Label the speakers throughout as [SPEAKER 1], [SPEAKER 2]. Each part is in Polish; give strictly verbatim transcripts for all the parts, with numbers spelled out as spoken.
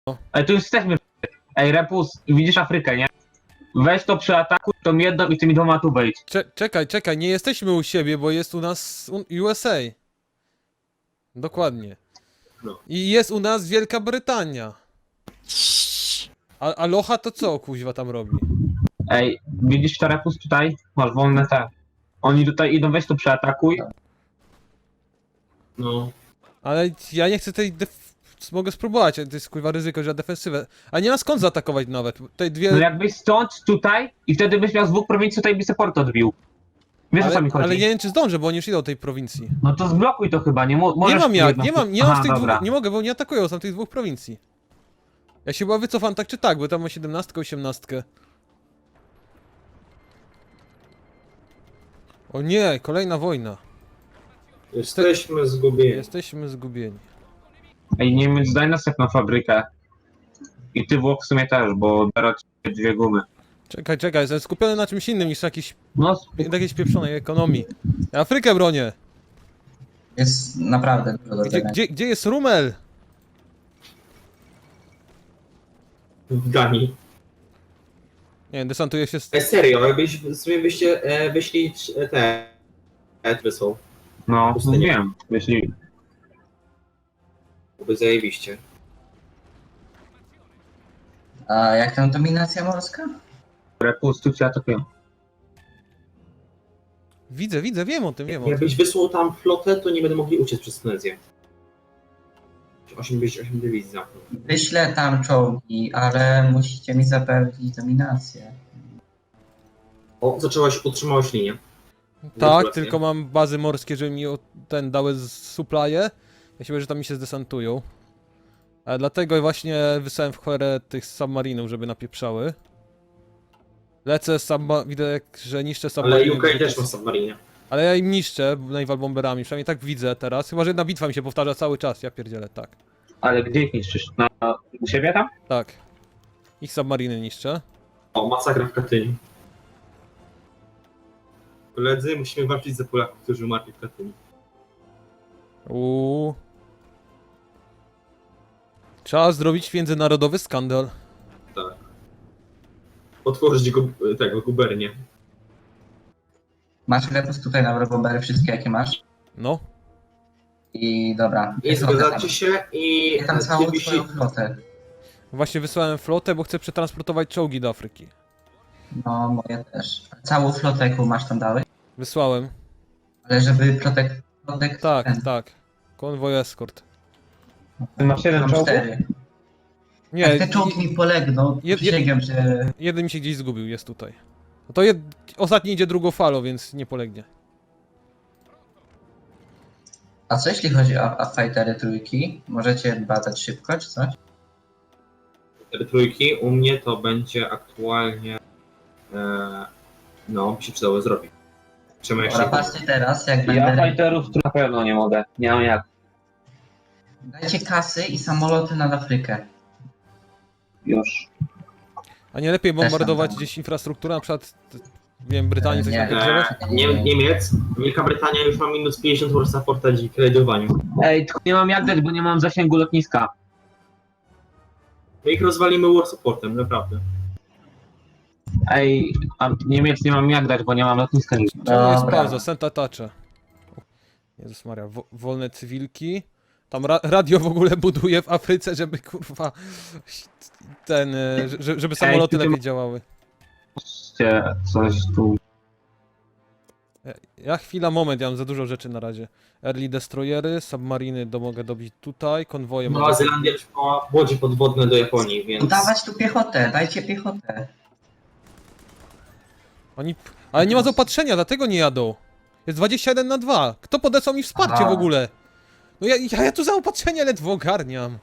[SPEAKER 1] Ej, tu już jesteśmy. Ej, Repus, widzisz Afrykę, nie? Weź to przeatakuj tą jedną i tymi dwoma tu wejdź.
[SPEAKER 2] Cze czekaj, czekaj, nie jesteśmy u siebie, bo jest u nas U S A. Dokładnie.
[SPEAKER 3] No.
[SPEAKER 2] I jest u nas Wielka Brytania. A Aloha to co, kuźwa, tam robi?
[SPEAKER 1] Ej, widzisz to Repus tutaj? Masz wolne te. Oni tutaj idą, weź to przeatakuj.
[SPEAKER 3] No.
[SPEAKER 2] Ale ja nie chcę tej def... Mogę spróbować, ale to jest kuźwa ryzyko, że defensywę. A nie ma skąd zaatakować nawet. Te dwie...
[SPEAKER 1] No jakbyś stąd, tutaj i wtedy byś miał z dwóch prowincji, tutaj by se port odbił. Wiesz o co
[SPEAKER 2] ale,
[SPEAKER 1] mi chodzi?
[SPEAKER 2] ale nie wiem czy zdążę, bo oni już idą do tej prowincji.
[SPEAKER 1] No to zblokuj to chyba, nie mo możesz...
[SPEAKER 2] Nie mam jak,
[SPEAKER 1] jedno-
[SPEAKER 2] nie mam, nie
[SPEAKER 1] Aha,
[SPEAKER 2] mam z tych
[SPEAKER 1] dobra.
[SPEAKER 2] dwóch, nie mogę, bo oni atakują, są tych dwóch prowincji. Ja się chyba wycofam tak czy tak, bo tam ma siedemnastkę, osiemnastkę. O nie, kolejna wojna.
[SPEAKER 3] Jesteśmy zgubieni.
[SPEAKER 2] Jesteśmy zgubieni.
[SPEAKER 1] Ej, Niemiec, daj następną fabrykę. I ty Włoch w sumie też, bo biorę ci dwie gumy.
[SPEAKER 2] Czekaj, czekaj, jestem skupiony na czymś innym niż jakiś,
[SPEAKER 1] No,
[SPEAKER 2] jakiejś pieprzonej ekonomii. Ja Afrykę bronię.
[SPEAKER 4] Jest naprawdę dużo do
[SPEAKER 2] Gdzie,
[SPEAKER 4] tego.
[SPEAKER 2] gdzie, gdzie jest Rumel?
[SPEAKER 3] W Danii.
[SPEAKER 2] Nie wiem, desantuje się z...
[SPEAKER 3] E, serio, jakbyś sobie byście e, wyśli e, te e, wysłał.
[SPEAKER 1] no,
[SPEAKER 3] Pustynię.
[SPEAKER 1] wiem, jeśli...
[SPEAKER 3] Byłoby zajebiście.
[SPEAKER 4] A jak tam dominacja morska?
[SPEAKER 1] Repus, tu cię atakują.
[SPEAKER 2] Widzę, widzę, wiem o tym, wiem o tym.
[SPEAKER 3] Jakbyś wysłał tam flotę, to nie będą mogli uciec przez Tunezję. osiem, osiem dywizji zamknął.
[SPEAKER 4] Wyślę tam czołgi, ale musicie mi zapewnić dominację.
[SPEAKER 3] O, zaczęłaś, utrzymałeś linię.
[SPEAKER 2] Tak,
[SPEAKER 3] Gratulacje.
[SPEAKER 2] tylko mam bazy morskie, żeby mi o- ten dały z- supply'e. Ja się boję, że tam mi się zdesantują. A dlatego właśnie wysłałem w cholerę tych submarinów, żeby napieprzały. Lecę, subma- widzę, jak, że niszczę
[SPEAKER 3] Ale
[SPEAKER 2] submariny.
[SPEAKER 3] U K też ma submarinę.
[SPEAKER 2] Ale ja im niszczę naval bomberami, przynajmniej tak widzę teraz. Chyba, że jedna bitwa mi się powtarza cały czas, ja pierdzielę, tak.
[SPEAKER 1] Ale gdzie ich niszczysz? Na, u siebie tam?
[SPEAKER 2] Tak. Ich submariny niszczę.
[SPEAKER 3] O, masakra w Katyniu. Koledzy, musimy walczyć za Polaków, którzy umarli w Katyniu.
[SPEAKER 2] Uuu. Trzeba zrobić międzynarodowy skandal.
[SPEAKER 3] Tak. Otworzyć go, tego, gubernię.
[SPEAKER 4] Masz repus tutaj na Eurobombery, wszystkie jakie masz?
[SPEAKER 2] No.
[SPEAKER 4] I dobra.
[SPEAKER 3] I
[SPEAKER 4] piechotę tam.
[SPEAKER 3] zgadzacie się i...
[SPEAKER 4] Ja tam całą
[SPEAKER 3] ty
[SPEAKER 4] twoją
[SPEAKER 3] byś-
[SPEAKER 4] flotę.
[SPEAKER 2] Właśnie wysłałem flotę, bo chcę przetransportować czołgi do Afryki.
[SPEAKER 4] No, moje też. Całą flotę, jaką masz tam dałeś?
[SPEAKER 2] Wysłałem.
[SPEAKER 4] Ale żeby protek... protek
[SPEAKER 2] Tak,
[SPEAKER 4] ten.
[SPEAKER 2] tak. Konwoj escort.
[SPEAKER 1] Ty masz jeden
[SPEAKER 4] Mam
[SPEAKER 1] czołg?
[SPEAKER 4] cztery.
[SPEAKER 2] Nie,
[SPEAKER 4] Jak te czołgi mi polegną,
[SPEAKER 2] jed-
[SPEAKER 4] przysięgam, że...
[SPEAKER 2] jeden mi się gdzieś zgubił, jest tutaj. No to jed... ostatni idzie drugą falą, więc nie polegnie.
[SPEAKER 4] A co jeśli chodzi o, o fightery trójki? Możecie badać szybko, czy coś?
[SPEAKER 3] Te trójki u mnie to będzie aktualnie... E, no, by się przydało zrobić. Czemu ja
[SPEAKER 4] Dobra,
[SPEAKER 3] się...
[SPEAKER 4] patrzcie teraz, jak
[SPEAKER 1] Ja
[SPEAKER 4] będę...
[SPEAKER 1] fighterów tu na pewno nie mogę. Nie mam jak.
[SPEAKER 4] Dajcie kasy i samoloty nad Afrykę.
[SPEAKER 1] Już.
[SPEAKER 2] A nie lepiej
[SPEAKER 4] Też tam
[SPEAKER 2] bombardować
[SPEAKER 4] tam.
[SPEAKER 2] gdzieś infrastrukturę, na przykład, t- nie wiem, Brytanii coś
[SPEAKER 4] Nie.
[SPEAKER 2] napierdzielać?
[SPEAKER 3] E, nie, Niemiec, Wielka Brytania już ma minus pięćdziesiąt war supporta dzięki raidowaniu.
[SPEAKER 1] Ej, tylko nie mam jak dać, bo nie mam zasięgu lotniska.
[SPEAKER 3] My ich rozwalimy war supportem, naprawdę.
[SPEAKER 1] Ej, a Niemiec nie mam jak dać, bo nie mam lotniska nigdzie.
[SPEAKER 2] Czemu jest
[SPEAKER 4] Dobra.
[SPEAKER 2] pauza? Senta Tacze. Jezus Maria, wo wolne cywilki. Tam ra radio w ogóle buduje w Afryce, żeby kurwa ten, e, że- żeby samoloty
[SPEAKER 1] Ej, ty-
[SPEAKER 2] lepiej działały.
[SPEAKER 1] Patrzcie, coś tu.
[SPEAKER 2] Ja chwila, moment, ja mam za dużo rzeczy na razie. Early destroyery, submariny do, mogę dobić tutaj, konwoje
[SPEAKER 3] Nowa
[SPEAKER 2] mogę...
[SPEAKER 3] Zelandia już ma łodzie podwodne do Japonii, więc...
[SPEAKER 4] Dawać tu piechotę, dajcie piechotę.
[SPEAKER 2] Oni... Ale nie ma zaopatrzenia, dlatego nie jadą. Jest dwadzieścia jeden na dwa. Kto podesłał mi wsparcie
[SPEAKER 4] Aha.
[SPEAKER 2] w ogóle? No ja, ja, ja tu zaopatrzenie ledwo ogarniam.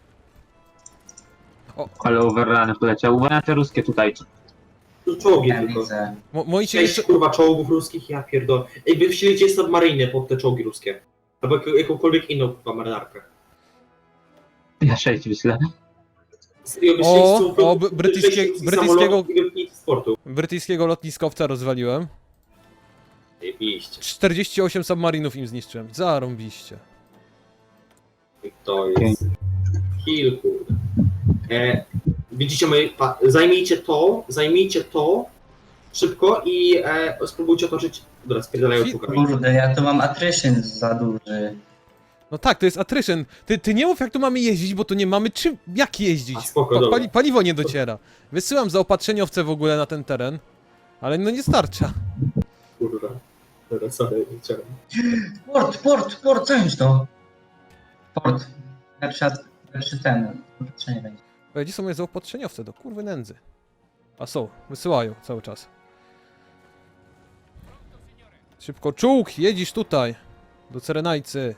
[SPEAKER 1] Ale overruny poleciał. Uwaga te ruskie tutaj.
[SPEAKER 3] Tu czołgi
[SPEAKER 4] Ja
[SPEAKER 3] tylko.
[SPEAKER 4] widzę.
[SPEAKER 2] Mo, moi się
[SPEAKER 3] Sześć
[SPEAKER 2] jeszcze...
[SPEAKER 3] kurwa czołgów ruskich, ja pierdolę. Ej, wy wsielicie submariny pod te czołgi ruskie. Albo jak, jakąkolwiek inną kurwa marynarkę.
[SPEAKER 1] Ja sześć wyślę.
[SPEAKER 3] Serio, wy
[SPEAKER 2] O,
[SPEAKER 3] wsieliście całą-
[SPEAKER 2] o, brytyjskie-
[SPEAKER 3] wsieliście
[SPEAKER 2] brytyjskiego-
[SPEAKER 3] samolotów i lotnisk sportu.
[SPEAKER 2] Brytyjskiego lotniskowca rozwaliłem.
[SPEAKER 3] Jebiście.
[SPEAKER 2] czterdzieści osiem submarinów im zniszczyłem. Zarąbiście.
[SPEAKER 3] I to jest... Kill, kurde. E, widzicie, my, pa, zajmijcie to, zajmijcie to szybko i e, spróbujcie otoczyć. Dobra, spierdalają
[SPEAKER 2] Fi-
[SPEAKER 3] człowiekowi.
[SPEAKER 4] Kurde, ja tu mam attrition za duży.
[SPEAKER 2] No tak, to jest attrition. Ty, ty nie mów jak tu mamy jeździć, bo tu nie mamy czym, jak jeździć.
[SPEAKER 3] A, spoko, dobra.
[SPEAKER 2] pali, paliwo nie dociera. Wysyłam zaopatrzeniowce w ogóle na ten teren, ale no nie starcza.
[SPEAKER 3] Kurwa. Dobra, sorry, nie chciałem.
[SPEAKER 4] Port, port, port, co jest to? Port. Lepszy, lepszy ten. Patrzenie będzie.
[SPEAKER 2] Ej, gdzie są moje zaopatrzeniowce do kurwy nędzy? A są, wysyłają cały czas. Szybko, czołg, jedziesz tutaj. Do Cerenajcy.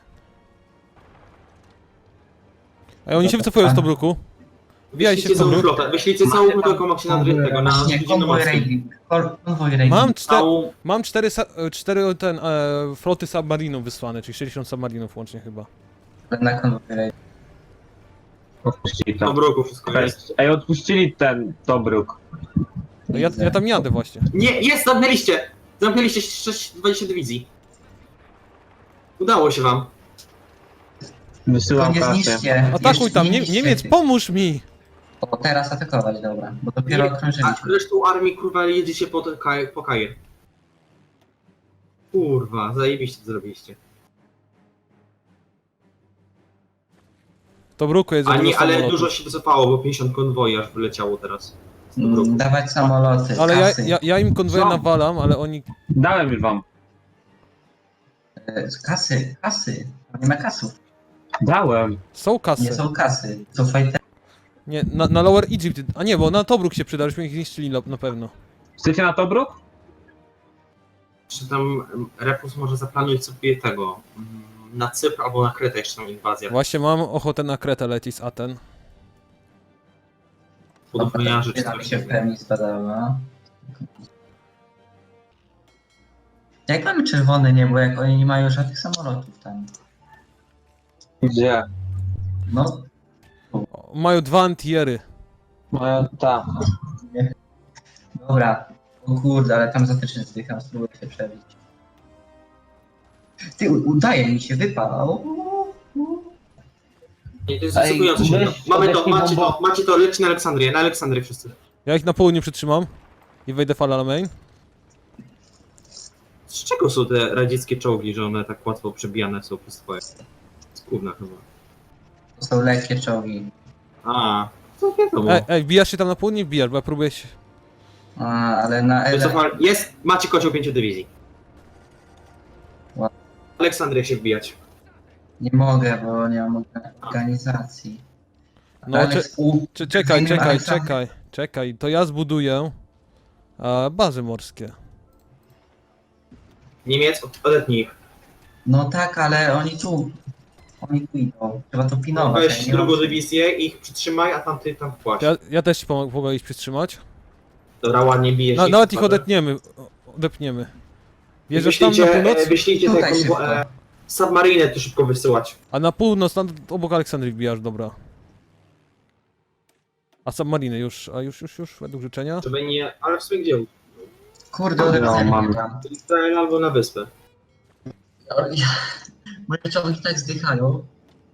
[SPEAKER 2] Ej, oni się wycofują z Tobruku. Wbijaj się w
[SPEAKER 3] Wyślijcie całą
[SPEAKER 2] Tobruk.
[SPEAKER 3] flotę, wyślijcie całą flotę, jaką macie na tego, na
[SPEAKER 4] Właśnie, konwoj
[SPEAKER 3] Śródziemnomorskim.
[SPEAKER 4] raiding. Kol- Konwoj raiding.
[SPEAKER 2] Mam, czte
[SPEAKER 3] Całą...
[SPEAKER 2] mam cztery, sa- e, cztery ten, e, floty submarinów wysłane, czyli sześćdziesiąt submarinów łącznie chyba.
[SPEAKER 4] Na konwoj raiding.
[SPEAKER 1] Odpuścili to.
[SPEAKER 3] Dobroku wszystko jest.
[SPEAKER 1] Ej, odpuścili ten Tobruk.
[SPEAKER 2] No ja, ja tam jadę właśnie.
[SPEAKER 3] Nie, jest, zamknęliście! Zamknęliście sześć, dwadzieścia dywizji. Udało się wam.
[SPEAKER 4] To
[SPEAKER 1] Wysyłam
[SPEAKER 4] nie
[SPEAKER 1] kasę.
[SPEAKER 4] zniszcie.
[SPEAKER 2] Atakuj
[SPEAKER 4] Jeszcze
[SPEAKER 2] tam,
[SPEAKER 4] nie
[SPEAKER 2] Nie
[SPEAKER 4] niszcie
[SPEAKER 2] Niemiec,
[SPEAKER 4] tych.
[SPEAKER 2] pomóż mi!
[SPEAKER 4] O, teraz atakować, dobra. Bo dopiero
[SPEAKER 3] Nie, a
[SPEAKER 4] okrążyliśmy.
[SPEAKER 3] resztą armii, kurwa, jedziecie po, te, kaj- po Kajer. Kurwa, zajebiście to zrobiliście.
[SPEAKER 2] W Tobruku jest za
[SPEAKER 3] A
[SPEAKER 2] dużo
[SPEAKER 3] nie, ale
[SPEAKER 2] samolotów.
[SPEAKER 3] dużo się wycofało, bo pięćdziesiąt konwoi aż wyleciało teraz. Z Tobruku.
[SPEAKER 4] Mm, dawać samoloty,
[SPEAKER 2] Ale ja,
[SPEAKER 4] kasy.
[SPEAKER 2] ja, ja im konwoje
[SPEAKER 1] Co?
[SPEAKER 2] nawalam, ale oni...
[SPEAKER 1] Dałem już wam.
[SPEAKER 4] E, Kasy, kasy. Nie ma kasów.
[SPEAKER 1] Dałem.
[SPEAKER 2] Są kasy.
[SPEAKER 4] Nie są kasy. To fajte.
[SPEAKER 2] Nie, na, na Lower Egypt. A nie, bo na Tobruk się przyda, żeśmy ich zniszczyli na, na pewno.
[SPEAKER 1] Chcecie na Tobruk?
[SPEAKER 3] Czy tam em, Repus może zaplanuj sobie tego, mm, na Cypr albo na Kretę jeszcze tam inwazję.
[SPEAKER 2] Właśnie mam ochotę na Kretę lecieć z Aten.
[SPEAKER 3] Podwojniarzy czy
[SPEAKER 4] Nam
[SPEAKER 3] coś.
[SPEAKER 4] się w pełni zbadała. Jak mamy czerwone niebo, jak oni nie mają żadnych samolotów tam?
[SPEAKER 1] Gdzie?
[SPEAKER 4] No,
[SPEAKER 2] O, mają dwa antiery.
[SPEAKER 1] Moja ta.
[SPEAKER 4] dobra. O kurde, ale tam zatycznie zdycham, spróbuję się przebić. Ty, u- udaje mi się, wypał.
[SPEAKER 3] Nie, to jest
[SPEAKER 1] Ej,
[SPEAKER 3] zasypujące się.
[SPEAKER 1] weź,
[SPEAKER 3] Mamy to,
[SPEAKER 1] odepnij
[SPEAKER 3] macie
[SPEAKER 1] bombo.
[SPEAKER 3] to, macie to, leci na Aleksandrię, na Aleksandrię wszyscy.
[SPEAKER 2] Ja ich na południu przytrzymam. I wejdę fala na main.
[SPEAKER 3] Z czego są te radzieckie czołgi, że one tak łatwo przebijane są przez twoje? Z gówna chyba.
[SPEAKER 4] To są lekkie czołgi.
[SPEAKER 3] A, to wiadomo.
[SPEAKER 2] Ej, ej, wbijasz się tam na południe? Wbijasz, bo ja próbuję się...
[SPEAKER 4] A, ale na ele...
[SPEAKER 3] Wycofali- Jest, macie kocioł pięciu dywizji.
[SPEAKER 4] Ła-
[SPEAKER 3] Aleksandrię się wbijać.
[SPEAKER 4] Nie mogę, bo nie mam organizacji.
[SPEAKER 2] No,
[SPEAKER 4] Ale
[SPEAKER 2] cze-
[SPEAKER 4] współ-
[SPEAKER 2] cze- czekaj,
[SPEAKER 4] Zajmę
[SPEAKER 2] czekaj,
[SPEAKER 4] Aleksandrię.
[SPEAKER 2] czekaj, czekaj. To ja zbuduję e, bazy morskie.
[SPEAKER 3] Niemiec, odetnij ich.
[SPEAKER 4] No tak, ale oni tu. Oni tu idą. Trzeba to pilnować.
[SPEAKER 3] Weź
[SPEAKER 4] ja nie mam-
[SPEAKER 3] drugą dywizję, ich przytrzymaj, a tamty tam wpłać.
[SPEAKER 2] Ja, ja też ci pomogę, mogę ich przytrzymać.
[SPEAKER 3] Dobra, ładnie bijesz
[SPEAKER 2] Na,
[SPEAKER 3] ich.
[SPEAKER 2] nawet ich
[SPEAKER 3] dobra.
[SPEAKER 2] odetniemy. Odepniemy. Wjeżdżasz tam na
[SPEAKER 3] Wyślijcie,
[SPEAKER 2] północ?
[SPEAKER 3] e, wyślijcie te
[SPEAKER 4] Tutaj
[SPEAKER 3] konwo-
[SPEAKER 4] szybko.
[SPEAKER 3] e, submariny tu szybko wysyłać.
[SPEAKER 2] A na północ, tam obok Aleksandrii wbijasz, dobra. A submariny już, a już, już, już, według życzenia.
[SPEAKER 3] Żeby nie, ale w sumie gdzie?
[SPEAKER 4] Kurde,
[SPEAKER 1] No,
[SPEAKER 4] odepchnę
[SPEAKER 1] mam.
[SPEAKER 4] mnie tam.
[SPEAKER 3] Izrael albo na wyspę.
[SPEAKER 4] Moje czołgi tak zdychają.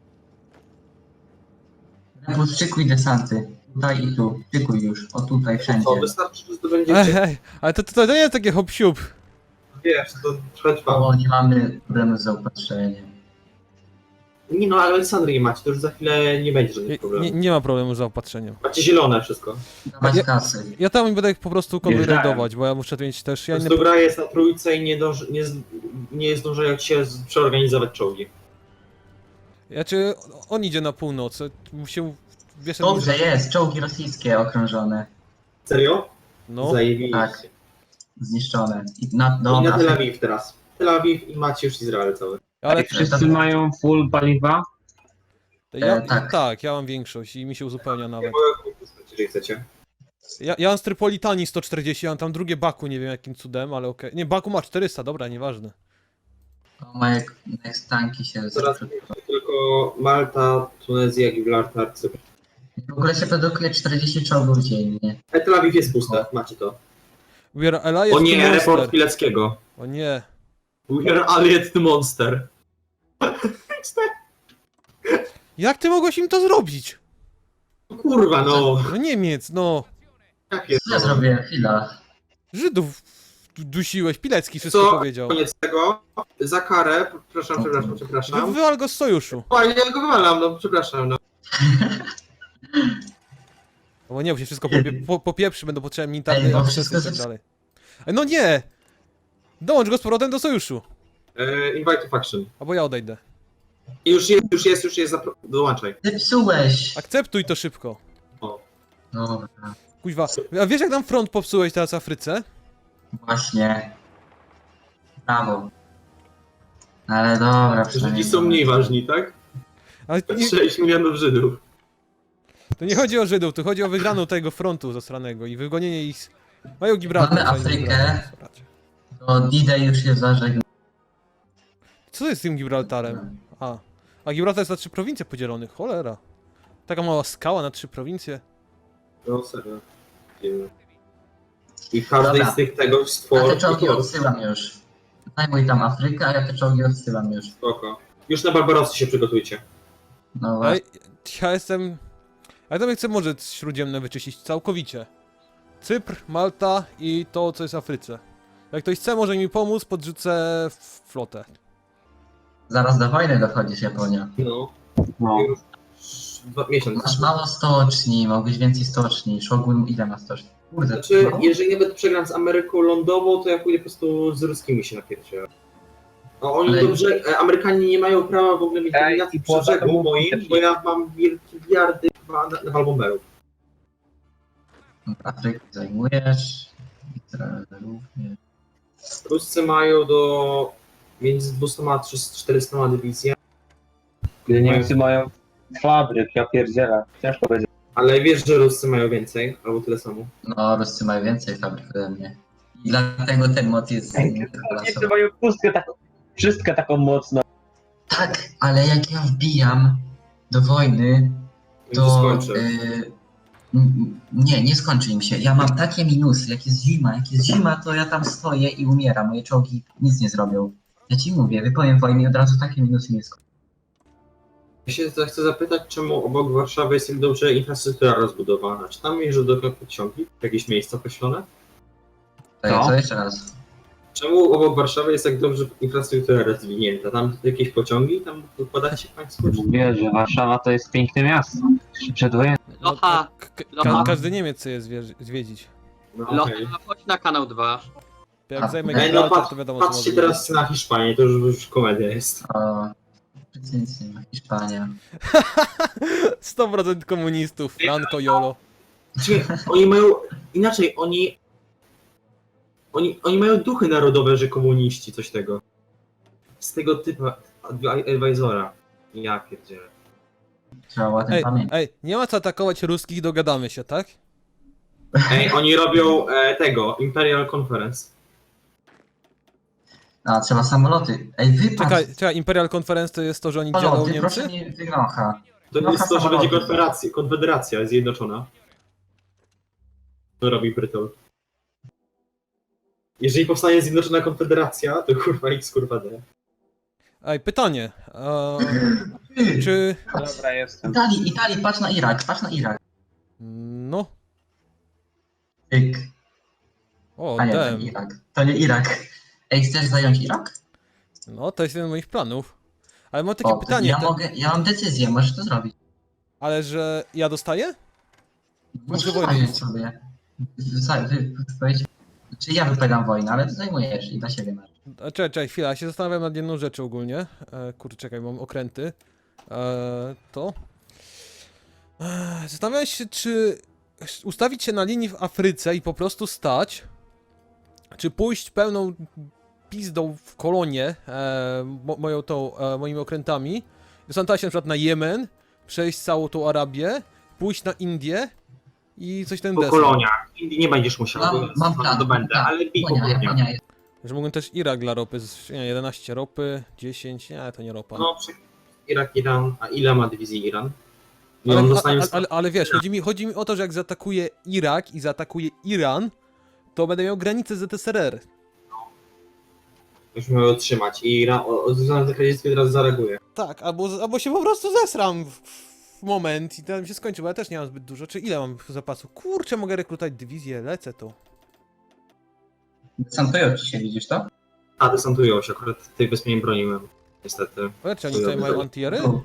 [SPEAKER 4] Podszykuj desanty. Tutaj i tu. Szykuj już. O tutaj, wszędzie.
[SPEAKER 3] Co, wystarczy, że zdobędziecie.
[SPEAKER 2] Ej, ej, ale to, to, to nie jest takie hop siup.
[SPEAKER 3] Wiesz, to trochę trwa.
[SPEAKER 4] O, nie mamy problemu z zaopatrzeniem.
[SPEAKER 3] Nie no, ale Aleksandrii macie, to już za chwilę nie będzie
[SPEAKER 2] Nie,
[SPEAKER 3] żadnych problemów.
[SPEAKER 2] nie, nie ma problemu z zaopatrzeniem.
[SPEAKER 3] Macie zielone wszystko.
[SPEAKER 4] Dawać
[SPEAKER 2] Ja-
[SPEAKER 4] kasy.
[SPEAKER 2] Ja tam będę po prostu konwój
[SPEAKER 1] Wjeżdżałem.
[SPEAKER 2] rajdować, bo ja muszę mieć też...
[SPEAKER 3] Po
[SPEAKER 2] Ja
[SPEAKER 3] prostu
[SPEAKER 2] inne...
[SPEAKER 3] gra jest na trójce i nie, dąży, nie, z- nie zdążają się z- przeorganizować czołgi.
[SPEAKER 2] Ja czy on idzie na północ, się... Wiesz,
[SPEAKER 4] Dobrze jest. Czołgi rosyjskie okrążone.
[SPEAKER 3] Serio?
[SPEAKER 2] No,
[SPEAKER 3] Zajebiście.
[SPEAKER 4] Tak. Zniszczone. I na,
[SPEAKER 3] I na
[SPEAKER 4] dobra.
[SPEAKER 3] Tel Awiw teraz. Tel Awiw i macie już Izrael cały.
[SPEAKER 2] ale
[SPEAKER 1] Wszyscy mają full paliwa?
[SPEAKER 2] ja,
[SPEAKER 4] E, tak.
[SPEAKER 2] tak, ja mam większość i mi się uzupełnia
[SPEAKER 3] Ja
[SPEAKER 2] nawet.
[SPEAKER 3] mogę kupić, jeżeli chcecie.
[SPEAKER 2] Ja, ja mam z Trypolitanii sto czterdzieści, ja mam tam drugie Baku, nie wiem jakim cudem, ale okej. Nie, Baku ma czterysta, dobra, nieważne.
[SPEAKER 4] To moje next tanki się
[SPEAKER 3] Teraz
[SPEAKER 4] zepsuły.
[SPEAKER 3] tylko Malta, Tunezja, Gibraltar, Cypr.
[SPEAKER 4] W ogóle się produkuje czterdzieści czołgów dziennie.
[SPEAKER 3] E, Tel Awiw jest puste, macie to.
[SPEAKER 2] We are allied
[SPEAKER 3] O
[SPEAKER 2] to
[SPEAKER 3] nie,
[SPEAKER 2] monster.
[SPEAKER 3] report Pileckiego.
[SPEAKER 2] O nie.
[SPEAKER 3] We are allied to monster.
[SPEAKER 2] Jak ty mogłeś im to zrobić?
[SPEAKER 3] Kurwa, no.
[SPEAKER 2] No Niemiec, no.
[SPEAKER 3] Jakie
[SPEAKER 4] Co ja
[SPEAKER 3] to?
[SPEAKER 4] zrobiłem? Chwila.
[SPEAKER 2] Żydów du- dusiłeś, Pilecki wszystko
[SPEAKER 3] Co?
[SPEAKER 2] powiedział.
[SPEAKER 3] Koniec tego. Za karę, przepraszam, przepraszam,
[SPEAKER 2] Wy,
[SPEAKER 3] przepraszam.
[SPEAKER 2] wywal go z sojuszu.
[SPEAKER 3] O, ja go wywalam, no przepraszam, no.
[SPEAKER 2] No bo nie, bo się wszystko popie, po, popieprzy, będą potrzebne
[SPEAKER 4] Ej,
[SPEAKER 2] militarne
[SPEAKER 4] bo
[SPEAKER 2] akcesy
[SPEAKER 4] wszystko
[SPEAKER 2] i tak
[SPEAKER 4] ze-
[SPEAKER 2] dalej. Ej, no nie! Dołącz go z powrotem do sojuszu.
[SPEAKER 3] E, invite to faction.
[SPEAKER 2] Albo ja odejdę.
[SPEAKER 3] I już jest, już jest, już jest, zapro- dołączaj.
[SPEAKER 4] Zepsułeś!
[SPEAKER 2] Akceptuj to szybko.
[SPEAKER 4] Dobra,
[SPEAKER 2] Kuźwa, a wiesz jak nam front popsułeś teraz w Afryce?
[SPEAKER 4] właśnie. Brawo. Ale dobra,
[SPEAKER 3] Żydzi
[SPEAKER 4] przynajmniej...
[SPEAKER 3] są mniej ważni, tak?
[SPEAKER 2] Ale nie,
[SPEAKER 3] sześć milionów Żydów.
[SPEAKER 2] to nie chodzi o Żydów, to chodzi o wygraną tego frontu zasranego i wygonienie ich z... Mają Gibraltar.
[SPEAKER 4] Mamy
[SPEAKER 2] fajnie,
[SPEAKER 4] Afrykę.
[SPEAKER 2] Gibraltar.
[SPEAKER 4] To D-Day już jest zażegnany.
[SPEAKER 2] Co jest z tym Gibraltarem? A, a Gibraltar jest na trzy prowincje podzielony, cholera. Taka mała skała na trzy prowincje.
[SPEAKER 3] No serio. Dziwne. I każdy
[SPEAKER 4] Dobra.
[SPEAKER 3] z tych tego
[SPEAKER 4] Ja
[SPEAKER 3] stworzył.
[SPEAKER 4] te czołgi odsyłam już. Zajmuj tam Afrykę, a ja te czołgi odsyłam już.
[SPEAKER 3] Spoko. Już na Barbarosy się przygotujcie.
[SPEAKER 4] No właśnie.
[SPEAKER 2] Ej, ja jestem... Ja tam chcę Morze Śródziemne wyczyścić całkowicie. Cypr, Malta i to, co jest w Afryce. Jak ktoś chce, może mi pomóc, podrzucę f- flotę.
[SPEAKER 4] Zaraz do wojny dochodzisz, Japonia.
[SPEAKER 3] No.
[SPEAKER 1] No.
[SPEAKER 3] Już dwa miesiące.
[SPEAKER 4] Masz mało stoczni, mogłeś więcej stoczni. Shogun ile ma stoczni? Kurde,
[SPEAKER 3] Znaczy,
[SPEAKER 4] no.
[SPEAKER 3] jeżeli nawet przegram z Ameryką lądową, to ja pójdę po prostu z ruskimi się napierdzielę. A oni
[SPEAKER 4] Ale-
[SPEAKER 3] dobrze, e, Amerykanie nie mają prawa w ogóle mieć
[SPEAKER 1] Ej,
[SPEAKER 3] dominacji
[SPEAKER 1] i
[SPEAKER 3] przy
[SPEAKER 1] poza
[SPEAKER 3] brzegu
[SPEAKER 1] tym
[SPEAKER 3] moim,
[SPEAKER 1] też
[SPEAKER 3] bo ja mam wielkie miliardy nawalbomberów.
[SPEAKER 4] Afrykę zajmujesz. Izrael również.
[SPEAKER 3] Ruscy mają do między dwieście a czterysta dywizja,
[SPEAKER 1] Gdy Niemcy mają fabryk, ja pierdzielę. Ciężko będzie.
[SPEAKER 3] ale wiesz, że Ruscy mają więcej, albo tyle samo.
[SPEAKER 4] No, Ruscy mają więcej fabryk ode mnie. I dlatego ten mod jest...
[SPEAKER 1] Niemcy mają pustkę taką, wszystko taką mocną.
[SPEAKER 4] Tak, ale jak ja wbijam do wojny,
[SPEAKER 3] I to
[SPEAKER 4] to...
[SPEAKER 3] skończę.
[SPEAKER 4] y, n- nie, nie skończy im się. Ja mam takie minusy, jak jest zima. Jak jest zima, to ja tam stoję i umieram. Moje czołgi nic nie zrobią. Ja ci mówię, wypowiem wojny i od razu takie minusy nie skończą.
[SPEAKER 3] Ja się za- chcę zapytać, czemu obok Warszawy jest tak dobrze infrastruktura rozbudowana? Czy tam jeżdżą do pociągi? Jakieś miejsca określone?
[SPEAKER 4] Tak,
[SPEAKER 1] No.
[SPEAKER 4] co jeszcze raz?
[SPEAKER 3] Czemu obok Warszawy jest tak dobrze infrastruktura rozwinięta? Tam jakieś pociągi? Tam układacie państwo? Czy...
[SPEAKER 1] Mówię, że Warszawa to jest piękne miasto. Przedwojenne.
[SPEAKER 2] No,
[SPEAKER 5] Locha,
[SPEAKER 2] ka- ka-
[SPEAKER 5] Locha.
[SPEAKER 2] każdy Niemiec chce je zwie- zwiedzić.
[SPEAKER 3] No,
[SPEAKER 5] Locha,
[SPEAKER 3] okej.
[SPEAKER 5] chodź na kanał dwa.
[SPEAKER 2] Jak
[SPEAKER 4] A,
[SPEAKER 2] zajmę
[SPEAKER 3] Ej, no
[SPEAKER 2] Gibraltar,
[SPEAKER 3] patrz,
[SPEAKER 2] to wiadomo, co
[SPEAKER 3] patrzcie
[SPEAKER 2] może
[SPEAKER 3] teraz na Hiszpanię, to już, już komedia jest.
[SPEAKER 4] O, nic nie ma. Hiszpania.
[SPEAKER 2] sto procent komunistów, Franco, Jolo.
[SPEAKER 3] Znaczy, oni mają, inaczej, oni, oni, oni mają duchy narodowe, że komuniści, coś tego. Z tego typu advi- advisora. Ja pierdzielę.
[SPEAKER 4] Trzeba o tym
[SPEAKER 2] Ej,
[SPEAKER 4] pamiętać.
[SPEAKER 2] ej, nie ma co atakować ruskich, dogadamy się, tak?
[SPEAKER 3] Ej, oni robią e, tego, Imperial Conference.
[SPEAKER 4] A, trzeba samoloty. Ej, wypadł.
[SPEAKER 2] Czekaj, czekaj, Imperial Conference to jest to, że oni dzielą
[SPEAKER 4] Samoloty,
[SPEAKER 2] Niemcy?
[SPEAKER 4] proszę nie wygrocha.
[SPEAKER 3] To
[SPEAKER 4] No,
[SPEAKER 3] jest to, że
[SPEAKER 4] samoloty.
[SPEAKER 3] będzie konfederacja, konfederacja zjednoczona. To robi Brytol. Jeżeli powstanie zjednoczona konfederacja, to kurwa X kurwa D.
[SPEAKER 2] Ej, pytanie. Eee, czy...
[SPEAKER 1] Dobra, jestem.
[SPEAKER 4] Italii, Italii, patrz na Irak, patrz na Irak.
[SPEAKER 2] No...
[SPEAKER 4] Tyk.
[SPEAKER 2] O,
[SPEAKER 4] A nie, to
[SPEAKER 2] dem.
[SPEAKER 4] nie Irak. To nie Irak. Ej, chcesz zająć Irak?
[SPEAKER 2] No, to jest jeden z moich planów. Ale mam takie
[SPEAKER 4] O, to
[SPEAKER 2] pytanie,
[SPEAKER 4] ja
[SPEAKER 2] te-
[SPEAKER 4] mogę, ja mam decyzję, możesz to zrobić.
[SPEAKER 2] ale że ja dostaję?
[SPEAKER 4] Możesz
[SPEAKER 2] wojny.
[SPEAKER 4] zająć sobie. Za- wy- wypowiedź- Czy ja wypowiadam wojnę, ale ty zajmujesz i dla siebie masz.
[SPEAKER 2] A, Czekaj, czekaj, chwila, ja się zastanawiam nad jedną rzeczą ogólnie. E, kurczę, czekaj, mam okręty. E, to. E, zastanawiam się, czy ustawić się na linii w Afryce i po prostu stać, czy pójść pełną pizdą w kolonię, e, mo, moją tą, e, moimi okrętami, zastanawiać się na przykład na Jemen, przejść całą tą Arabię, pójść na Indię i coś ten
[SPEAKER 3] Po
[SPEAKER 2] deseń.
[SPEAKER 3] koloniach. Indii nie będziesz musiał,
[SPEAKER 4] Mam,
[SPEAKER 3] bo
[SPEAKER 4] mam plan.
[SPEAKER 3] to będę,
[SPEAKER 4] plan.
[SPEAKER 3] ale bij po
[SPEAKER 4] Japonia,
[SPEAKER 3] koloniach.
[SPEAKER 4] Japonia jest.
[SPEAKER 2] Że mógłbym też Irak dla ropy, z, nie, jedenaście ropy, dziesięć, nie, to nie ropa.
[SPEAKER 3] No, przy- Irak, Iran, a ile ma dywizji Iran? I
[SPEAKER 2] Ale,
[SPEAKER 3] on
[SPEAKER 2] ale,
[SPEAKER 3] dostanie...
[SPEAKER 2] ale, ale wiesz, chodzi mi, chodzi mi o to, że jak zaatakuje Irak i zaatakuje Iran, to będę miał granicę z Z S R R.
[SPEAKER 3] Już miał otrzymać i Iran, o, o, na radzieckie teraz zareaguje.
[SPEAKER 2] Tak, albo, albo się po prostu zesram w, moment i to mi się skończy, bo ja też nie mam zbyt dużo. Czy ile mam zapasu? Kurczę, mogę rekrutować dywizję, lecę tu.
[SPEAKER 4] Desantują ci się, widzisz to?
[SPEAKER 3] A, desantują się, akurat tej wyspy nie broniłem. Niestety.
[SPEAKER 2] Zobaczcie, oni tutaj mają antiery?
[SPEAKER 4] Tu.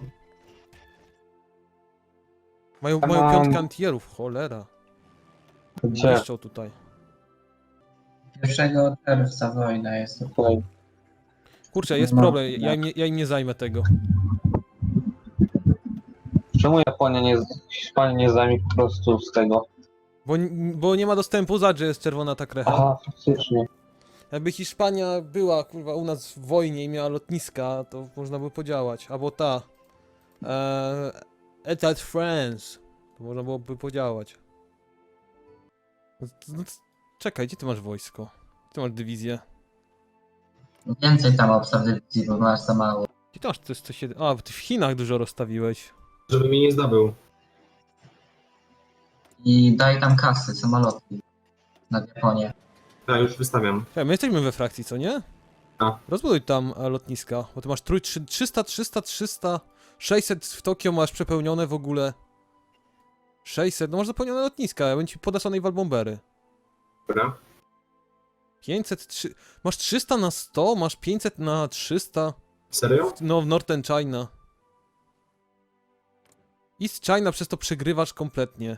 [SPEAKER 2] Mają,
[SPEAKER 1] Ja
[SPEAKER 2] mają
[SPEAKER 1] mam-
[SPEAKER 2] piątkę antierów, cholera.
[SPEAKER 1] Gdzie?
[SPEAKER 2] Niszczą tutaj.
[SPEAKER 4] Pierwszego czerwca wojna jest.
[SPEAKER 1] Tutaj.
[SPEAKER 2] Kurczę, jest
[SPEAKER 4] No,
[SPEAKER 2] problem, ja
[SPEAKER 4] no.
[SPEAKER 2] im, nie, ja im nie zajmę tego.
[SPEAKER 1] Czemu Japonia nie, Hiszpania nie zajmie po prostu z tego?
[SPEAKER 2] Bo, bo nie ma dostępu, za że jest czerwona ta krecha.
[SPEAKER 1] Aha, faktycznie.
[SPEAKER 2] Jakby Hiszpania była, kurwa, u nas w wojnie i miała lotniska, to można by podziałać. Albo ta... Eee, Etat France. To można byłoby podziałać. No, no, czekaj, gdzie ty masz wojsko? Gdzie ty masz dywizję?
[SPEAKER 4] Więcej tam obstaw dywizji, bo masz za mało.
[SPEAKER 2] Gdzie ty masz coś, coś się... A, ty w Chinach dużo rozstawiłeś.
[SPEAKER 3] Żeby mnie nie zdobył.
[SPEAKER 4] I daj tam kasy, samoloty. Na Japonię.
[SPEAKER 3] Ja już wystawiam.
[SPEAKER 2] Czekaj, my jesteśmy we frakcji, co nie?
[SPEAKER 3] A.
[SPEAKER 2] Rozbuduj tam e, lotniska, bo ty masz trój, trzy- trzysta, trzysta, trzysta, sześćset w Tokio masz przepełnione w ogóle. sześćset, no masz zapełnione lotniska, ja bym ci podesłanej walbombery.
[SPEAKER 3] Dobra.
[SPEAKER 2] pięćset, trzy... Masz trzysta na sto, masz pięćset na trzysta.
[SPEAKER 3] Serio?
[SPEAKER 2] No, w Northern China. East China przez to przegrywasz kompletnie.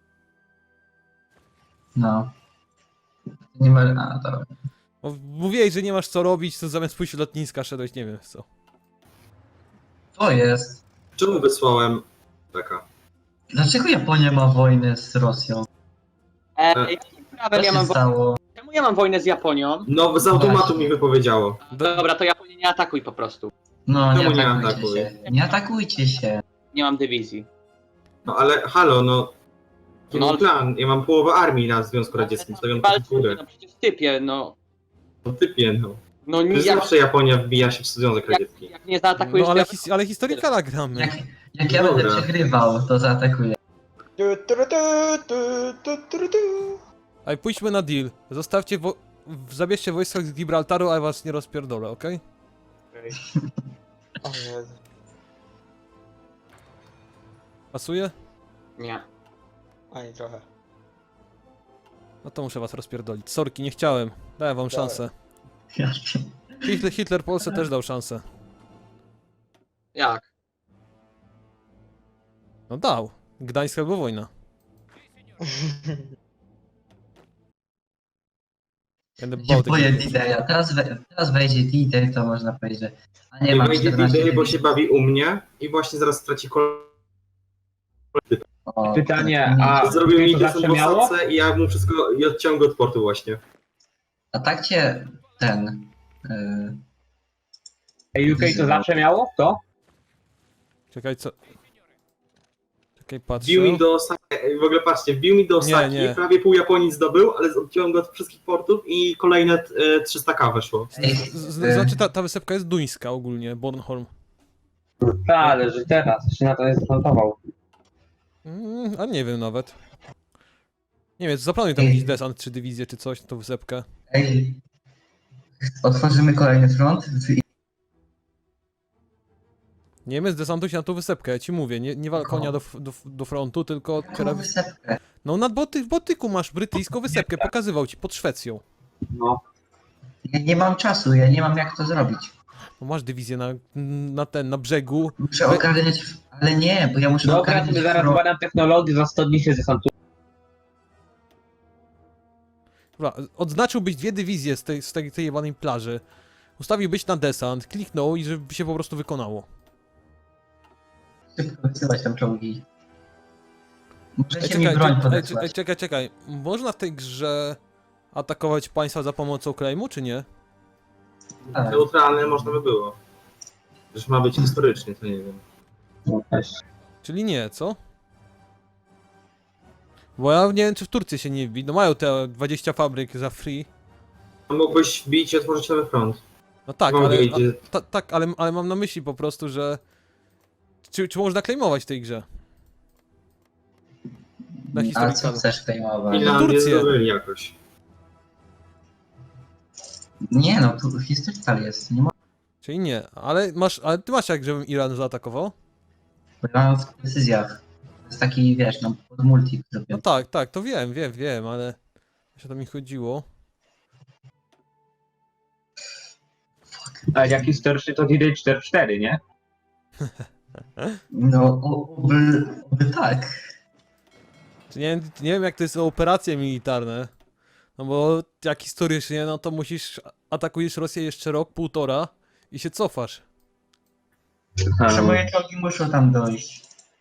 [SPEAKER 4] No. Nie ma... A, dobra.
[SPEAKER 2] Bo mówiłeś, że nie masz co robić, to zamiast pójść do lotniska szedłeś nie wiem w co.
[SPEAKER 4] To jest.
[SPEAKER 3] Czemu wysłałem taka?
[SPEAKER 4] Dlaczego Japonia ma wojnę z Rosją?
[SPEAKER 5] E,
[SPEAKER 3] E.
[SPEAKER 5] jakim
[SPEAKER 4] Co
[SPEAKER 5] prawem ja
[SPEAKER 4] się
[SPEAKER 5] mam wo-
[SPEAKER 4] stało?
[SPEAKER 5] Czemu ja mam wojnę z Japonią?
[SPEAKER 3] No, z automatu
[SPEAKER 4] Właśnie.
[SPEAKER 3] mi wypowiedziało.
[SPEAKER 5] Dobra, to Japonię nie atakuj po prostu.
[SPEAKER 4] No, nie
[SPEAKER 3] Czemu nie
[SPEAKER 4] atakujcie
[SPEAKER 3] atakuj?
[SPEAKER 4] się. Nie atakujcie się.
[SPEAKER 5] Nie mam dywizji.
[SPEAKER 3] No ale halo, no. Jaki
[SPEAKER 5] No,
[SPEAKER 3] no,
[SPEAKER 5] ale-
[SPEAKER 3] plan? Ja mam połowę armii na Związku Radzieckim, stawiam pod
[SPEAKER 5] Walczmy,
[SPEAKER 3] górę.
[SPEAKER 5] no przecież typie, no.
[SPEAKER 3] No typie, no.
[SPEAKER 5] No nie,
[SPEAKER 3] Przecież
[SPEAKER 5] jak,
[SPEAKER 3] zawsze Japonia wbija się w Związek Radziecki.
[SPEAKER 5] jak, jak nie zaatakujesz,
[SPEAKER 2] No ale,
[SPEAKER 5] to ja-
[SPEAKER 2] his ale historykala gramy.
[SPEAKER 4] Jak, jak ja będę
[SPEAKER 3] Dobra.
[SPEAKER 4] przegrywał, to zaatakuję.
[SPEAKER 2] Ej, pójdźmy na deal. Zostawcie wo... w- Zabierzcie wojska z Gibraltaru, a ja was nie rozpierdolę, okej?
[SPEAKER 6] O Jezu.
[SPEAKER 2] Pasuje?
[SPEAKER 5] Nie.
[SPEAKER 6] Ani trochę.
[SPEAKER 2] No to muszę was rozpierdolić. Sorki, nie chciałem. Dałem wam
[SPEAKER 6] Dawaj.
[SPEAKER 2] szansę. Hitler, Hitler Polsce też dał szansę.
[SPEAKER 5] Jak?
[SPEAKER 2] No dał. Gdańsk albo wojna. Będę
[SPEAKER 4] się
[SPEAKER 2] bał tego.
[SPEAKER 4] boję D-Daya. Teraz, we, teraz wejdzie D-Day, to można powiedzieć, że... A nie,
[SPEAKER 3] Nie
[SPEAKER 4] mam
[SPEAKER 3] wejdzie
[SPEAKER 4] czternaście
[SPEAKER 3] D-Day, bo
[SPEAKER 4] dywizji.
[SPEAKER 3] się bawi u mnie i właśnie zaraz straci kolejny.
[SPEAKER 4] O,
[SPEAKER 1] Pytanie,
[SPEAKER 4] nie.
[SPEAKER 1] a
[SPEAKER 3] Zrobił mi
[SPEAKER 1] to
[SPEAKER 3] desant
[SPEAKER 1] zawsze
[SPEAKER 3] w
[SPEAKER 1] miało?
[SPEAKER 3] Osace i ja mu wszystko i odciąłem go od portu właśnie.
[SPEAKER 4] A tak cię ten... Yy,
[SPEAKER 1] Ej, U K to zawsze miało? To?
[SPEAKER 2] Czekaj, co? Czekaj, patrzę.
[SPEAKER 3] Wbił mi do Osaki, w ogóle patrzcie, wbił mi do Osaki,
[SPEAKER 2] Nie, nie.
[SPEAKER 3] prawie pół Japonii zdobył, ale odciąłem go od wszystkich portów i kolejne e, trzysta K weszło.
[SPEAKER 4] ej,
[SPEAKER 2] Z, z,
[SPEAKER 4] yy,
[SPEAKER 2] znaczy ta, ta wysepka jest duńska ogólnie, Bornholm.
[SPEAKER 1] Tak, ale że teraz się na to nie zdesantował.
[SPEAKER 2] Mm, a nie wiem nawet. Nie wiem, zaplanuj tam
[SPEAKER 4] Ej.
[SPEAKER 2] jakiś desant, czy dywizję, czy coś, tą wysepkę.
[SPEAKER 4] ej, otworzymy kolejny front. W-
[SPEAKER 2] Niemiec desantuj się na tą wysepkę, ja ci mówię, nie, nie wal
[SPEAKER 4] Jaką?
[SPEAKER 2] konia do, f- do, f- do frontu, tylko
[SPEAKER 4] Jaką
[SPEAKER 2] otwiera...
[SPEAKER 4] wysepkę?
[SPEAKER 2] No na Boty, w Botyku masz brytyjską wysepkę, pokazywał ci, pod Szwecją.
[SPEAKER 1] No.
[SPEAKER 4] Ja nie mam czasu, ja nie mam jak to zrobić.
[SPEAKER 2] No masz dywizję na, na ten, na brzegu.
[SPEAKER 4] Muszę
[SPEAKER 2] Wy-
[SPEAKER 4] ogarniać... Ale nie, bo ja muszę
[SPEAKER 1] Dobra,
[SPEAKER 4] ogarniać
[SPEAKER 1] sobie zaraz
[SPEAKER 4] front.
[SPEAKER 1] badam technologię, za sto dni się zdesantuje.
[SPEAKER 2] Dobra, odznaczyłbyś dwie dywizje z tej, z tej, tej jebanej plaży. Ustawiłbyś na desant, kliknął i żeby się po prostu wykonało.
[SPEAKER 4] Szybko wysyłać tam czołgi. Możecie
[SPEAKER 2] Ej,
[SPEAKER 4] mi
[SPEAKER 2] czekaj,
[SPEAKER 4] broń
[SPEAKER 2] czekaj, ej,
[SPEAKER 4] podesłać.
[SPEAKER 2] ej, czekaj, czekaj. Można w tej grze atakować państwa za pomocą claimu, czy nie?
[SPEAKER 4] Tak.
[SPEAKER 3] Neutralne można by było. Przecież ma być historycznie, to nie wiem.
[SPEAKER 1] No, też.
[SPEAKER 2] Czyli nie, co? Bo ja nie wiem, czy w Turcji się nie wbi. No mają te dwadzieścia fabryk za free.
[SPEAKER 3] Mógłbyś wbić i otworzyć nowy front.
[SPEAKER 2] No tak,
[SPEAKER 3] Mogę
[SPEAKER 2] ale,
[SPEAKER 3] idzie-
[SPEAKER 2] a, ta, tak ale, ale mam na myśli po prostu, że... Czy, czy można claimować w tej grze? Na
[SPEAKER 4] A co
[SPEAKER 2] historykalu.
[SPEAKER 4] chcesz claimować?
[SPEAKER 3] Finlandię
[SPEAKER 2] Turcję.
[SPEAKER 3] zdobyli jakoś.
[SPEAKER 4] Nie no, tu historical jest. Nie mo-
[SPEAKER 2] Czyli nie, ale masz, ale ty masz jak, żebym Iran zaatakował?
[SPEAKER 4] Bo ja mam w decyzjach. To jest taki, wiesz, no, pod multi
[SPEAKER 2] No
[SPEAKER 4] zrobię.
[SPEAKER 2] tak, tak, to wiem, wiem, wiem, ale... Jeszcze to mi chodziło.
[SPEAKER 1] A jak historycznie to D D cztery cztery, nie?
[SPEAKER 4] No, o- oby, oby tak.
[SPEAKER 2] Czy nie, wiem- nie wiem jak to jest operacje militarne. No bo jak historycznie, no to musisz... Atakujesz Rosję jeszcze rok, półtora i się cofasz.
[SPEAKER 4] Że moje czołgi muszą tam dojść.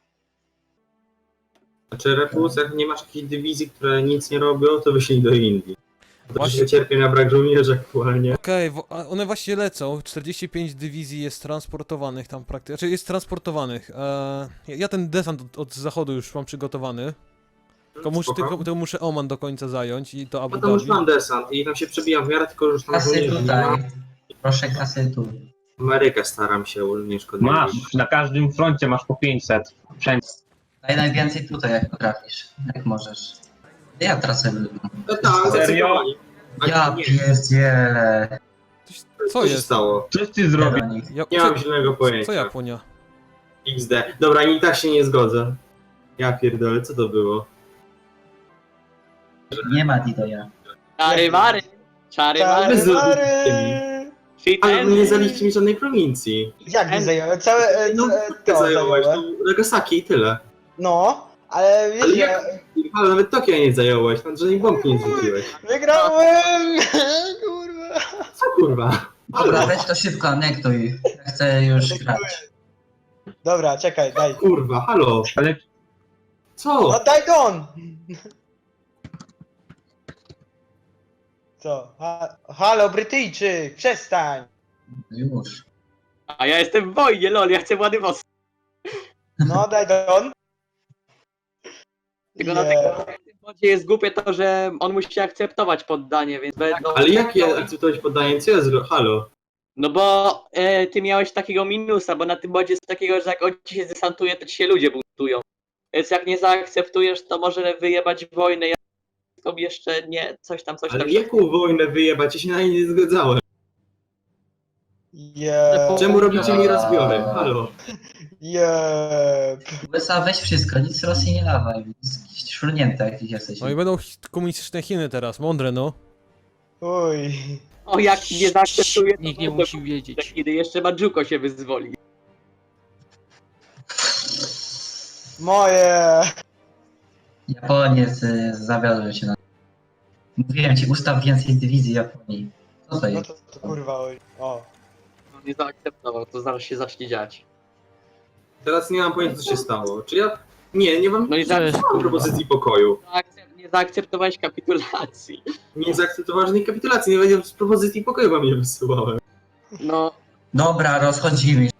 [SPEAKER 3] Znaczy Repus, jak nie masz jakiejś dywizji, które nic nie robią, to wyślij do Indii. To
[SPEAKER 2] Właśnie-
[SPEAKER 3] się cierpię na brak żołnierzy aktualnie.
[SPEAKER 2] Okej, wo- a one właśnie lecą. czterdzieści pięć dywizji jest transportowanych tam praktycznie. Znaczy jest transportowanych. Eee, ja- ja ten desant od, od zachodu już mam przygotowany. Tylko, mus,
[SPEAKER 3] Spoko.
[SPEAKER 2] tylko, tylko muszę Oman do końca zająć i to Abu
[SPEAKER 3] No tam już
[SPEAKER 2] Dhabi.
[SPEAKER 3] mam desant i tam się przebijam w miarę, tylko już tam
[SPEAKER 4] Kasy
[SPEAKER 3] żołnierzy nie
[SPEAKER 4] tutaj.
[SPEAKER 3] ma.
[SPEAKER 4] Proszę kasy tu.
[SPEAKER 3] Amerykę staram się unieszkodliwić.
[SPEAKER 1] Masz, na każdym froncie masz po pięćset. Wszędzie.
[SPEAKER 4] Daj najwięcej tutaj, jak potrafisz. Jak możesz. Ja tracę ludzi.
[SPEAKER 3] No tak,
[SPEAKER 1] Serio?
[SPEAKER 3] zacytowali. A
[SPEAKER 4] Ja
[SPEAKER 3] nie,
[SPEAKER 4] pierdzielę.
[SPEAKER 2] Co
[SPEAKER 3] co się
[SPEAKER 2] jest?
[SPEAKER 3] stało?
[SPEAKER 1] Coś ty zrobił.
[SPEAKER 4] Do nich.
[SPEAKER 2] Ja,
[SPEAKER 3] Nie
[SPEAKER 2] co,
[SPEAKER 3] mam zielonego pojęcia.
[SPEAKER 2] co Japonia?
[SPEAKER 3] X D. Dobra, i tak się nie zgodzę. Ja pierdolę, co to było?
[SPEAKER 4] Nie ma Didoja.
[SPEAKER 5] Czary mary. Czary mary.
[SPEAKER 3] Bez- Ale nie zaliście mi żadnej prowincji.
[SPEAKER 6] Jak nie zająłem? Całe e,
[SPEAKER 3] No,
[SPEAKER 6] e,
[SPEAKER 3] ty
[SPEAKER 6] to
[SPEAKER 3] zająłeś,
[SPEAKER 6] zająłem.
[SPEAKER 3] to Nagasaki i tyle.
[SPEAKER 6] No, ale wiesz,
[SPEAKER 3] Ale
[SPEAKER 6] ja
[SPEAKER 3] jak? Ale nawet Tokio nie zająłeś, tam żadnej bombki nie zrzuciłeś.
[SPEAKER 6] wygrałem! Kurwa.
[SPEAKER 3] Co kurwa?
[SPEAKER 4] Dobra, weź to szybko anektuj. Ja chcę już grać.
[SPEAKER 6] Dobra, czekaj, daj.
[SPEAKER 3] Kurwa, halo.
[SPEAKER 1] Ale
[SPEAKER 3] Co?
[SPEAKER 6] No daj don! Co? Ha Halo, Brytyjczyk, przestań!
[SPEAKER 4] Już.
[SPEAKER 5] A ja jestem w wojnie, lol, ja chcę Władywostok.
[SPEAKER 6] No daj don.
[SPEAKER 5] Tylko na
[SPEAKER 6] Nie.
[SPEAKER 5] tym wodzie jest głupie to, że on musi akceptować poddanie, więc będą...
[SPEAKER 3] Ale jak ja akceptować poddanie? Co ja zrobię? Halo.
[SPEAKER 5] No bo e, ty miałeś takiego minusa, bo na tym bodzie jest takiego, że jak on ci się desantuje, to ci się ludzie buntują. Więc jak nie zaakceptujesz, to może wyjebać wojnę. Ja jeszcze nie, coś tam, coś
[SPEAKER 3] Ale
[SPEAKER 5] tam.
[SPEAKER 3] jaką wojnę wyjebać? Ja się na nie nie zgadzałem.
[SPEAKER 6] Jeb.
[SPEAKER 3] Czemu robicie mi rozbiory? Halo.
[SPEAKER 6] Jeb.
[SPEAKER 4] U S A weź wszystko, nic z Rosji nie dawaj. Szurnięte jakieś jesteś.
[SPEAKER 2] No i będą chi- komunistyczne Chiny teraz, mądre no.
[SPEAKER 6] Uj.
[SPEAKER 5] O, jak nie zaakceptuje, to
[SPEAKER 7] Nikt nie
[SPEAKER 5] będę
[SPEAKER 7] musi wiedzieć.
[SPEAKER 5] kiedy jeszcze Mandżuko się wyzwoli.
[SPEAKER 6] Moje.
[SPEAKER 4] Japoniec y, zawiodłem się na... Mówiłem ci, ustaw więcej dywizji Japonii. Co to
[SPEAKER 6] No
[SPEAKER 4] jest?
[SPEAKER 6] to, to kurwa, oj. O.
[SPEAKER 5] On nie zaakceptował, to zaraz się zacznie dziać.
[SPEAKER 3] Teraz nie mam pojęcia, co się stało. Czy ja... Nie, nie mam,
[SPEAKER 5] No i
[SPEAKER 3] nie
[SPEAKER 5] zaraz,
[SPEAKER 3] mam propozycji pokoju.
[SPEAKER 5] Zaakcep- nie zaakceptowałeś kapitulacji.
[SPEAKER 3] Nie zaakceptowałem żadnej kapitulacji, nie wiedziałem, z propozycji pokoju wam nie wysyłałem.
[SPEAKER 5] No,
[SPEAKER 4] Dobra, rozchodzimy